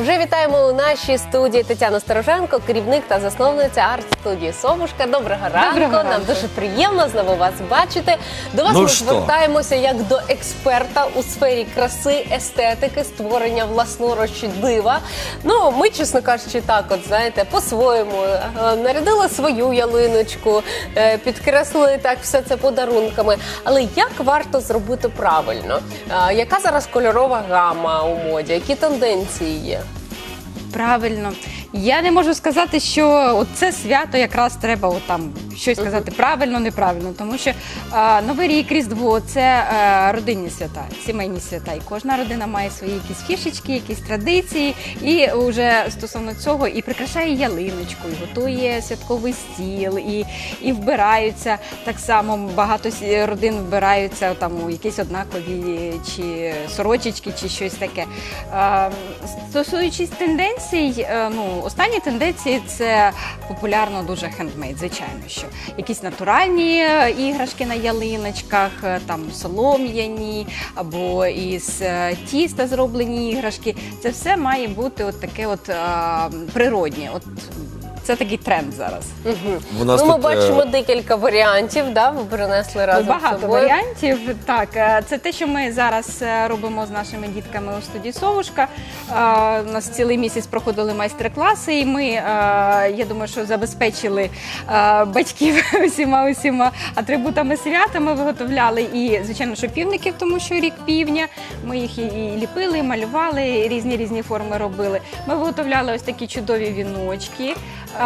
Вже вітаємо у нашій студії Тетяну Стороженко, керівник та засновниця арт-студії «Совушка». Доброго ранку. Нам дуже приємно знову вас бачити. До вас ми звертаємося як до експерта у сфері краси, естетики, створення власноруч дива. Ну, ми, чесно кажучи, так от, знаєте, по-своєму нарядили свою ялиночку, підкреслили так все це подарунками. Але як варто зробити правильно? Яка зараз кольорова гама у моді? Які тенденції є? Правильно. Я не можу сказати, що це свято якраз треба щось сказати правильно, неправильно, тому що Новий рік, Різдво – це родинні свята, сімейні свята. І кожна родина має свої якісь фішечки, якісь традиції, і вже стосовно цього і прикрашає ялиночку, і готує святковий стіл, і вбираються. Так само багато родин вбираються у якісь однакові чи сорочечки, чи щось таке. Стосуючись тенденцій, останні тенденції – це популярно дуже хендмейд, звичайно, що якісь натуральні іграшки на ялиночках, солом'яні або із тіста зроблені іграшки. Це все має бути таке природнє. Це такий тренд зараз. Ми бачимо декілька варіантів, ви принесли разом з собою. Багато варіантів, так. Це те, що ми зараз робимо з нашими дітками у студії «Совушка». У нас цілий місяць проходили майстер-класи, і ми, я думаю, що забезпечили батьків усіма атрибутами свята. Ми виготовляли і, звичайно, що півників, тому що рік півня. Ми їх і ліпили, і малювали, різні форми робили. Ми виготовляли ось такі чудові віночки.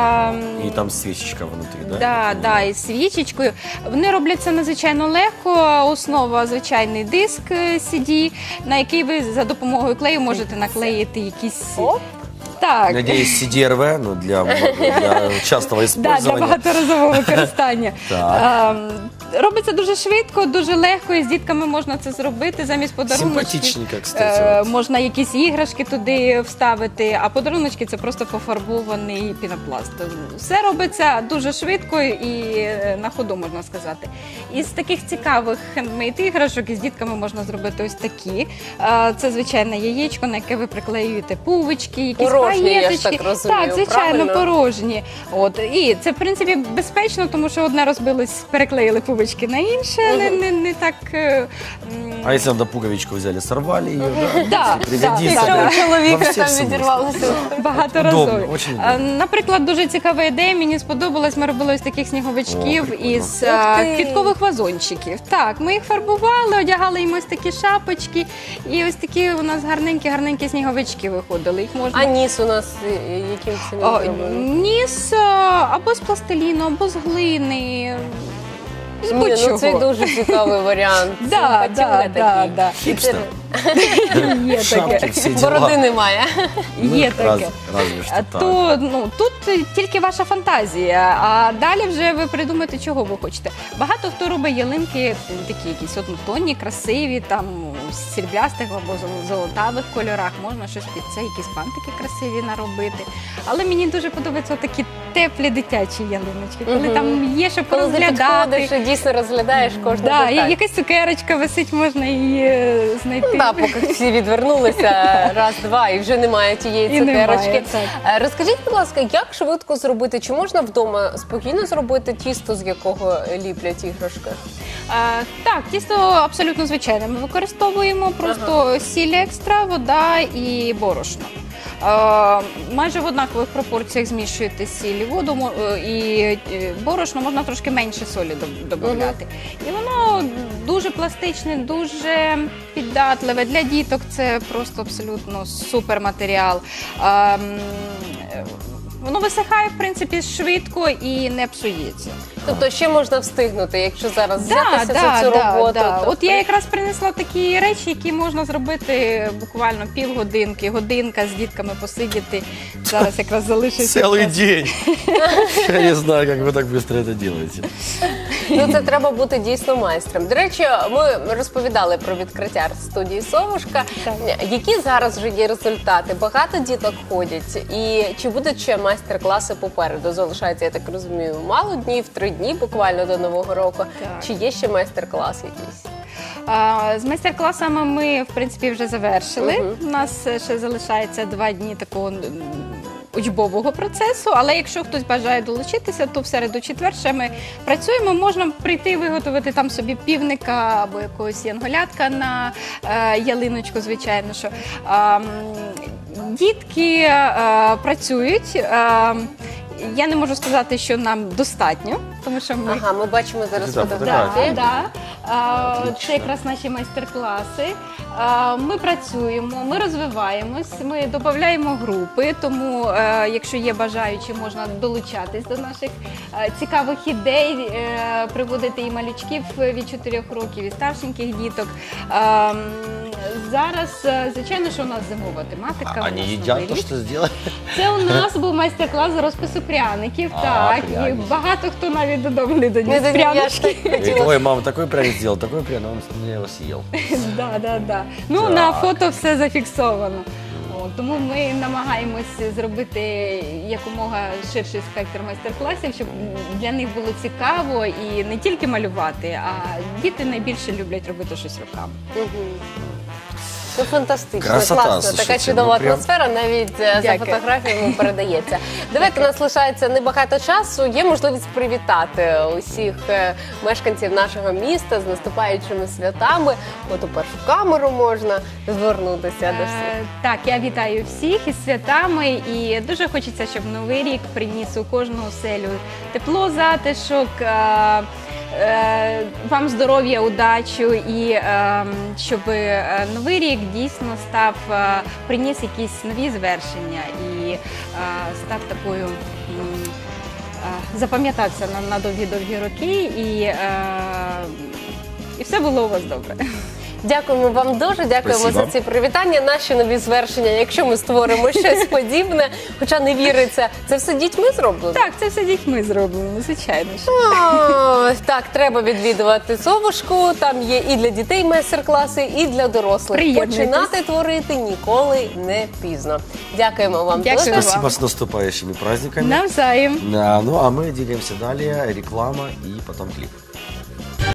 І там свічечка внутрі, так, із свічечкою. Вони робляться надзвичайно легко. Основа – звичайний диск CD, на який ви за допомогою клею можете наклеїти якісь... Так. Надіюсь, CDRV, для частого використання. Для багаторазового використання. Робиться дуже швидко, дуже легко, і з дітками можна це зробити. Замість подаруночків можна якісь іграшки туди вставити, а подаруночки – це просто пофарбований пінопласт. Все робиться дуже швидко і на ходу, можна сказати. Із таких цікавих хендмейд-іграшок із дітками можна зробити ось такі. Це звичайне яєчко, на яке ви приклеюєте пувички, якісь порожні, я ж так розумію. Так, звичайно, порожні. І це, в принципі, безпечно, тому що одне розбилось, переклеїли пуговички на інше, не так... А якщо на пуговичку взяли, сорвали її, якщо у чоловіка там відірвалося. Багаторазові. Наприклад, дуже цікава ідея, мені сподобалась, ми робили ось таких сніговичків із квіткових вазончиків. Так, ми їх фарбували, одягали їм ось такі шапочки, і ось такі у нас гарненькі сніговички виходили. А ніс у нас яким це зробили? Ніс або з пластиліну, або з глини. Це дуже цікавий варіант. Так. Хіпстер. Є таке. Бороди немає. Є таке. Тут тільки ваша фантазія, а далі вже ви придумаєте, чого ви хочете. Багато хто робить ялинки такі якісь однотонні, красиві, в сріблястих або золотавих кольорах. Можна щось під це, якісь бантики красиві наробити. Але мені дуже подобаються такі теплі дитячі ялиночки, коли там є, щоб розглядати. Коли дійсно розглядаєш кожну деталь. Так, якась цукерочка висить, можна її знайти. Так, поки всі відвернулися, раз-два, і вже немає тієї цукерочки. Розкажіть, будь ласка, як швидко зробити? Чи можна вдома спокійно зробити тісто, з якого ліплять іграшки? Так, тісто абсолютно звичайне. Ми використовуємо просто сіль екстра, вода і борошно. Майже в однакових пропорціях змішуєте сіль і воду, і борошно, можна трошки менше солі додати. І воно дуже пластичне, дуже піддатливе. Для діток це просто абсолютно супер матеріал. Воно висихає, в принципі, швидко і не псується. Тобто ще можна встигнути, якщо зараз взятися за цю роботу. Так. От я якраз принесла такі речі, які можна зробити буквально півгодинки, годинка з дітками посидіти. Зараз якраз залишиться. Цілий день. Я не знаю, як ви так швидко це робите. Це треба бути дійсно майстром. До речі, ми розповідали про відкриття арт-студії «Совушка». Які зараз вже є результати? Багато діток ходять? І чи будуть ще майстер-класи попереду? Залишається, я так розумію, мало днів, 3 дні буквально до Нового року. Чи є ще майстер-клас якийсь? З майстер-класами ми, в принципі, вже завершили. У нас ще залишається 2 дні такого учбового процесу, але якщо хтось бажає долучитися, то в середу-четвер ще ми працюємо. Можна прийти виготовити там собі півника або якогось янголятка на ялиночку, звичайно, що дітки працюють. Я не можу сказати, що нам достатньо, тому що ми... Ага, ми бачимо зараз Да, фотографії. Це якраз наші майстер-класи. Ми працюємо, ми розвиваємось, ми додаємо групи, тому якщо є бажаючі, можна долучатись до наших цікавих ідей, приводити і малючків від 4 років, і старшеньких діток. Зараз, звичайно, що у нас зимова тематика. у Они нас едят Новий то, рік. что сделали? Це у нас був майстер-клас з розпису пряників. Так, і пряники. багато хто навіть додому не доніс Не доніс, я ж прянички. Говорит, ой, мама, такой пряник сделал, такой пряник, он его съел. Да. Ну, Так. на фото все зафіксовано. Тому ми намагаємось зробити якомога ширший спектр майстер-класів, щоб для них було цікаво і не тільки малювати, а діти найбільше люблять робити щось руками. Це фантастично, Красота, класно, слушайте, така чудова ну, прям- атмосфера, навіть за Дякую. фотографіями передається. Давайте, у нас лишається небагато часу, є можливість привітати усіх мешканців нашого міста з наступаючими святами. От у першу камеру можна звернутися до всіх. Так, я вітаю всіх із святами і дуже хочеться, щоб Новий рік приніс у кожну оселю тепло, затишок, вам здоров'я, удачу і щоб Новий рік дійсно приніс якісь нові звершення і став такою, запам'ятався на довгі-довгі роки і все було у вас добре. Дякуємо вам дуже, дякуємо Спасибо. за ці привітання, наші нові звершення. Якщо ми створимо щось подібне, хоча не віриться, це все дітьми зроблено? Так, це все дітьми зроблено, звичайно. О, так, треба відвідувати совушку. Там є і для дітей майстер-класи, і для дорослих. Приєднуйтесь. Починати творити ніколи не пізно. Дякуємо вам Дякую дуже. вам. Спасибо с наступающими праздниками. Навзаєм. Да, ну а мы двигаемся далее. Реклама и потом клип.